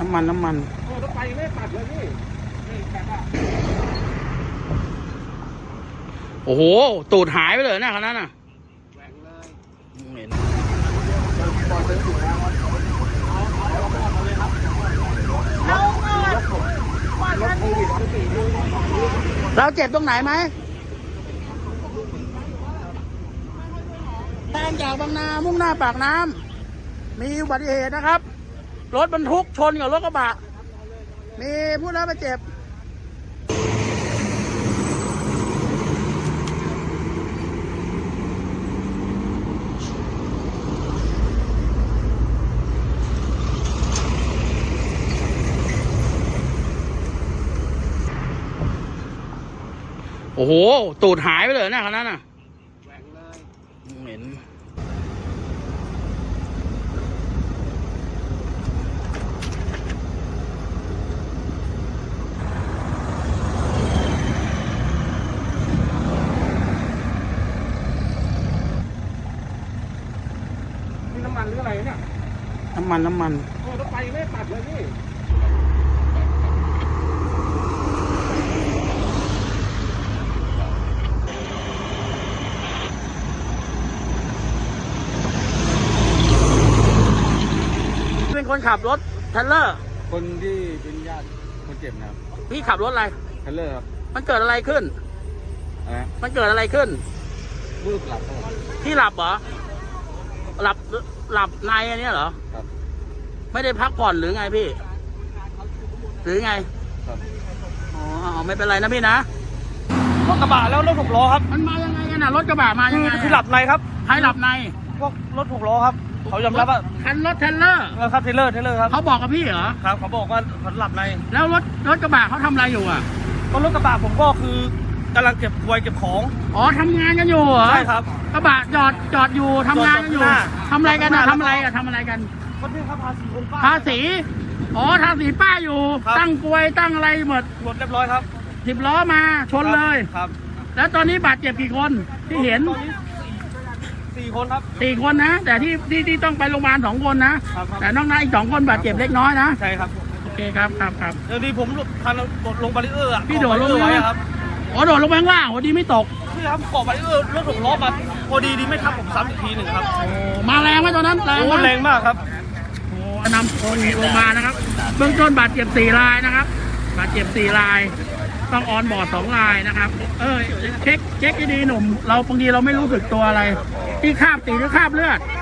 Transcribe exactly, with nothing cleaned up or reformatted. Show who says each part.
Speaker 1: น้ำมันน้ำมัน
Speaker 2: โอ้รถไฟไม่ตัดเลยพี่นี่แค่ว่า
Speaker 1: โอ้โหตูดหายไปเลยนะคันนั้นน่ะ
Speaker 2: แหวงเลย
Speaker 1: เห็นเราเจ็บตรงไหนไหมทางจากบางนามุ่งหน้าปากน้ำมีอุบัติเหตุนะครับรถบรรทุกชนกับรถกระบะมีผู้ได้รับบาดเจ็บโอ้โหตูดหายไปเลยนะคันนั้นน่ะ
Speaker 2: แหวงเลย
Speaker 1: เห็น
Speaker 2: นี่น้ำมันหรืออะไรเนี่ย
Speaker 1: น้ำมันน้ำมัน
Speaker 2: โอ้รถไฟไม่ตัดเลยพี่
Speaker 1: เป็นคนขับรถเทรลเลอร์
Speaker 2: คนที่เป็นญาติคนเจ็บนะครับ
Speaker 1: พี่ขับรถอะไร
Speaker 2: เทรลเลอร์ครับ
Speaker 1: มันเกิดอะไรขึ้น
Speaker 2: อะไร
Speaker 1: มันเกิดอะไรขึ้น
Speaker 2: รูปหลับ
Speaker 1: พี่หลับเหรอหลับหลับในอันนี้เหรอ
Speaker 2: ครับ
Speaker 1: ไม่ได้พักผ่อนหรือไงพี่หรือไง
Speaker 2: ครับ
Speaker 1: อ๋อไม่เป็นไรนะพี่นะ
Speaker 2: รถกระบะแล้วรถหกล้อครับ
Speaker 1: มันมายังไงกันน่ะรถกระบะมายังไง
Speaker 2: คือหลับในครับ
Speaker 1: ใครหลับใน
Speaker 2: พวกรถหกล้อครับเขายอมรับว่า
Speaker 1: คันรถเทรลเลอร์
Speaker 2: ครับเทรลเลอร์เทรลเลอร์ครับ
Speaker 1: เขาบอกกับพี่เหรอ
Speaker 2: ครับเขาบอกว่าเขาหลับใน
Speaker 1: แล้วรถรถกระบะเขาทำอะไรอยู่อ่ะ
Speaker 2: ก็รถกระบะผมก็คือกำลังเก็บควยเก็บของ
Speaker 1: อ๋อทำงานกันอยู่เหรอ
Speaker 2: ใช่ครับ
Speaker 1: กระบะจอดจอดอยู่ทำงานกันอยู่ทำอะไรกันนะทำอะไรกันทำอะไรกัน
Speaker 2: ก็เรื่องภาษีคนป้า
Speaker 1: ภาษีอ๋อภาษีป้าอยู่ตั้งกลวยตั้งอะไรหมด
Speaker 2: หมดเรียบร้อยครับ
Speaker 1: สิบล้อมาชนเลย
Speaker 2: ครับ
Speaker 1: แล้วตอนนี้บาดเจ็บกี่คนที่เห็น
Speaker 2: ตอนนี้สี่คนครับ
Speaker 1: สี่คนนะแต่ที่ที่ที่ต้องไปโรงพยาบาลสองคนนะแต่นอกนั้นอีกสองคนบาดเจ็บเล็กน้อยนะ
Speaker 2: ใช่ครับ
Speaker 1: โอเคครับครับครับ
Speaker 2: เดี๋ยวนี้ผมทันโดดลงบาริเออร์อ่ะ
Speaker 1: พี่โดดลงไว้
Speaker 2: ครับ
Speaker 1: อ๋อโดดลงไปข้างล่างพอดีไม่ตก
Speaker 2: พี่ครับเกาะบาริเออร์รถหกล้อมาพอดีดีไม่ทับผมซ้ำอีกทีหนึ่งครับ
Speaker 1: มาแรงไหมตอนนั้นแรง
Speaker 2: โอ้แรงมากครับ
Speaker 1: โอ้นำคนลงมานะครับเบื้องต้นบาดเจ็บสี่รายนะครับบาดเจ็บสี่รายต้องออนบอร์ดสองรายนะครับเออเช็คเช็คดีๆหนุ่มเราบางทีเราไม่รู้สึกตัวอะไรที่คราบตีหรือคราบเลือด